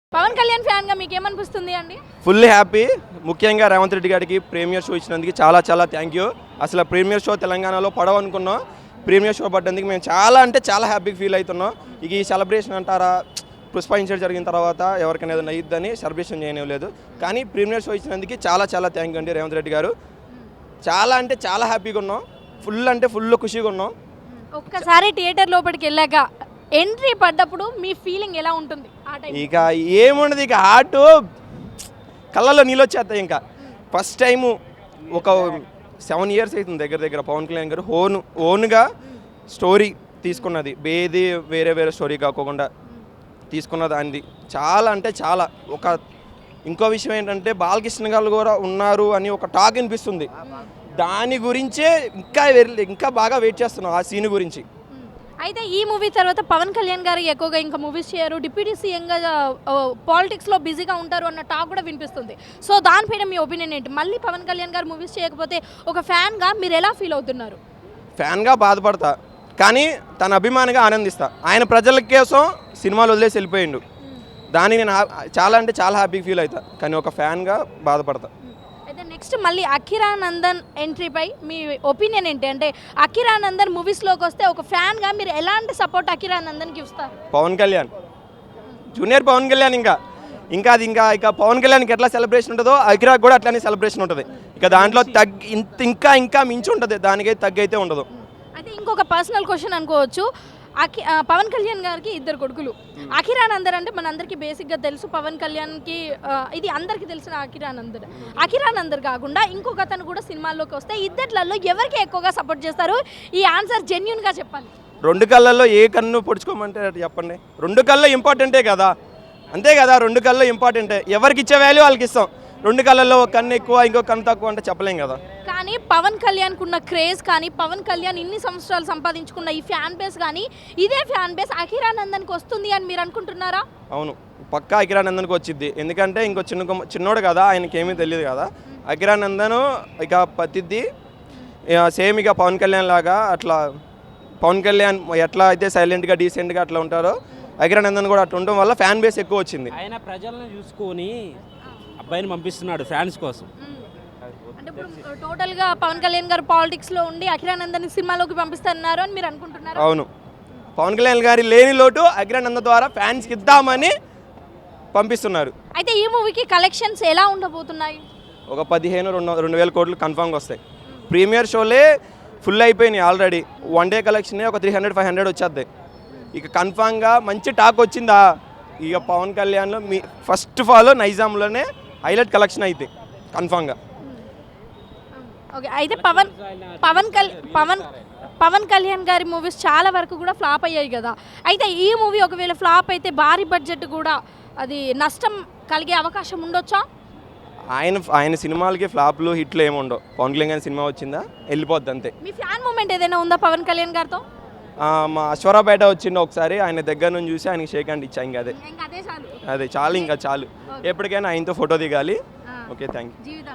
Pawan Kalyan fan గా మీకు ఏమనిపిస్తుంది అండి? Fully happy. ముఖ్యంగా రేవంత్ రెడ్డి గారికి ప్రీమియర్ షో ఇచ్చినందుకు చాలా చాలా థ్యాంక్ యూ. అసలు ప్రీమియర్ షో తెలంగాణలో పడవనుకున్నాం. ప్రీమియర్ షో పడ్డందుకు మేము చాలా అంటే చాలా హ్యాపీగా ఫీల్ అవుతున్నాం. ఇక ఈ సెలబ్రేషన్ అంటారా, పుష్ప ఇన్సిడెంట్ జరిగిన తర్వాత ఎవరికైనా ఏదైనా అయ్యిద్దని సెలబ్రేషన్ చేయలేదు. కానీ ప్రీమియర్ షో ఇచ్చినందుకు చాలా చాలా థ్యాంక్ యూ అండి రేవంత్ రెడ్డి గారు. చాలా అంటే చాలా హ్యాపీగా ఉన్నాం. ఫుల్ అంటే ఫుల్ ఖుషిగా ఉన్నాం. ఒక్కసారి థియేటర్ లోపలికి వెళ్ళాక ఎంట్రీ పడ్డప్పుడు మీ ఫీలింగ్ ఎలా ఉంటుంది? ఇక ఏముండదు, ఇక హార్ట్ కళ్ళల్లో నీళ్ళు వచ్చేస్తాయి. ఇంకా ఫస్ట్ టైము ఒక 7 years అవుతుంది దగ్గర దగ్గర పవన్ కళ్యాణ్ గారు ఓన్గా స్టోరీ తీసుకున్నది. వేరే స్టోరీ కాకుండా తీసుకున్న దానిది చాలా అంటే చాలా. ఇంకో విషయం ఏంటంటే బాలకృష్ణ గారు కూడా ఉన్నారు అని ఒక టాక్ వినిపిస్తుంది. దాని గురించే ఇంకా బాగా వెయిట్ చేస్తున్నాం ఆ సీన్ గురించి. అయితే ఈ మూవీ తర్వాత పవన్ కళ్యాణ్ గారు ఎక్కువగా ఇంకా మూవీస్ చేయరు, డిప్యూటీ సీఎంగా పాలిటిక్స్లో బిజీగా ఉంటారు అన్న టాక్ కూడా వినిపిస్తుంది. సో దానిపైన మీ ఒపీనియన్ ఏంటి? మళ్ళీ పవన్ కళ్యాణ్ గారు మూవీస్ చేయకపోతే ఒక ఫ్యాన్గా మీరు ఎలా ఫీల్ అవుతున్నారు? ఫ్యాన్గా బాధపడతా, కానీ తన అభిమానిగా ఆనందిస్తా. ఆయన ప్రజల కోసం సినిమాలు వదిలేసి వెళ్ళిపోయిండు. దాన్ని నేను చాలా అంటే చాలా హ్యాపీగా ఫీల్ అవుతా, కానీ ఒక ఫ్యాన్గా బాధపడతా. అయితే నెక్స్ట్ మళ్ళీ అఖిరానందన్ ఎంట్రీపై మీ ఒపీనియన్ ఏంటి? అంటే అఖిరానందన్ మూవీస్లోకి వస్తే ఒక ఫ్యాన్గా మీరు ఎలాంటి సపోర్ట్ అఖిరానందన్కి ఇస్తారు? పవన్ కళ్యాణ్, జూనియర్ పవన్ కళ్యాణ్. ఇంకా పవన్ కళ్యాణ్కి ఎట్లా సెలబ్రేషన్ ఉంటుందో అఖిరాకి కూడా అట్లానే సెలబ్రేషన్ ఉంటుంది. ఇక దాంట్లో ఇంకా మించి ఉంటుంది, దానికైతే తగ్గైతే ఉండదు. అయితే ఇంకొక పర్సనల్ క్వశ్చన్ అనుకోవచ్చు. పవన్ కళ్యాణ్ గారికి 2 కొడుకులు. అఖిరానందన్ అంటే మనందరికీ బేసిక్గా తెలుసు. పవన్ కళ్యాణ్కి ఇది అందరికీ తెలిసిన అఖిరానందన్ కాకుండా ఇంకొక అతను కూడా సినిమాల్లోకి వస్తే ఇద్దట్లలో ఎవరికి ఎక్కువగా సపోర్ట్ చేస్తారు? ఈ ఆన్సర్ జెన్యూన్గా చెప్పాలి. 2 కళ్ళల్లో ఏ కన్ను పొడుచుకోమంటే చెప్పండి. 2 కళ్ళు ఇంపార్టెంటే కదా, అంతే కదా. 2 కళ్ళు ఇంపార్టెంటే, ఎవరికి ఇచ్చే వాల్యూ వాళ్ళకి ఇస్తాం. 2 కళ్ళల్లో ఒక కన్ను ఎక్కువ ఇంకో కన్ను తక్కువ అంటే చెప్పలేం కదా. కానీ పవన్ కళ్యాణ్కి ఉన్న క్రేజ్ కానీ పవన్ కళ్యాణ్ ఇన్ని సంవత్సరాలు సంపాదించుకున్న ఈ ఫ్యాన్ బేస్ కానీ ఇదే ఫ్యాన్ బేస్ అఖిరానందన్కి వస్తుంది అని మీరు అనుకుంటున్నారా? అవును, పక్కా అఖిరానందన్కి వచ్చింది. ఎందుకంటే ఇంకో చిన్నోడు కదా, ఆయనకి ఏమీ తెలియదు కదా. అఖిరానందన్ ఇక పతిద్ది సేమ్ ఇక పవన్ కళ్యాణ్ లాగా. అట్లా పవన్ కళ్యాణ్ ఎట్లా అయితే సైలెంట్గా డీసెంట్గా అట్లా ఉంటారో అఖిరానందన్ కూడా అట్లా ఉండడం వల్ల ఫ్యాన్ బేస్ ఎక్కువ వచ్చింది. ఆయన ప్రజలను చూసుకొని అబ్బాయిని పంపిస్తున్నాడు ఫ్యాన్స్ కోసం. అంటే ఇప్పుడు టోటల్గా పవన్ కళ్యాణ్ గారు పాలిటిక్స్లో ఉండి అఖిరానందన్ సినిమాలోకి పంపిస్తున్నారు అని మీరు అనుకుంటున్నారు? అవును, పవన్ కళ్యాణ్ గారి లేని లోటు అఖిరానందన్ ద్వారా ఫ్యాన్స్కి ఇద్దామని పంపిస్తున్నారు. అయితే ఈ మూవీకి కలెక్షన్స్ ఎలా ఉండబోతున్నాయి? ఒక 15-2000 కోట్లు కన్ఫామ్గా వస్తాయి. ప్రీమియర్ షోలే ఫుల్ అయిపోయినాయి ఆల్రెడీ. 1 day కలెక్షనే ఒక 300-500 వచ్చేద్దాయి. ఇక కన్ఫామ్గా మంచి టాక్ వచ్చిందా, ఇక పవన్ కళ్యాణ్లో ఫస్ట్ ఆఫ్ ఆల్ నైజాంలోనే హైలైట్ కలెక్షన్ అయితే కన్ఫామ్గా. ఓకే, అయితే పవన్ కళ్యాణ్ గారి మూవీస్ చాలా వరకు కూడా ఫ్లాప్ అయ్యాయి కదా. అయితే ఈ మూవీ ఒకవేళ ఫ్లాప్ అయితే భారీ బడ్జెట్ కూడా అది నష్టం కలిగే అవకాశం ఉండొచ్చా? ఆయన సినిమాలకి ఫ్లాప్లు హిట్లు ఏమి ఉండవు. పవన్ కళ్యాణ్ గారి సినిమా వచ్చిందా వెళ్ళిపోద్ది అంతే. మీ ఫ్యాన్ మూమెంట్ ఏదైనా ఉందా పవన్ కళ్యాణ్ గారితో? మా అశ్వరాపేట వచ్చిండు ఒకసారి, ఆయన దగ్గర నుంచి చూసి ఆయనకి షేక్ హ్యాండ్ ఇచ్చా. ఇంకా అదే చాలు, ఇంకా చాలు. ఎప్పటికైనా ఆయనతో ఫోటో దిగాలి. Okay, thank you.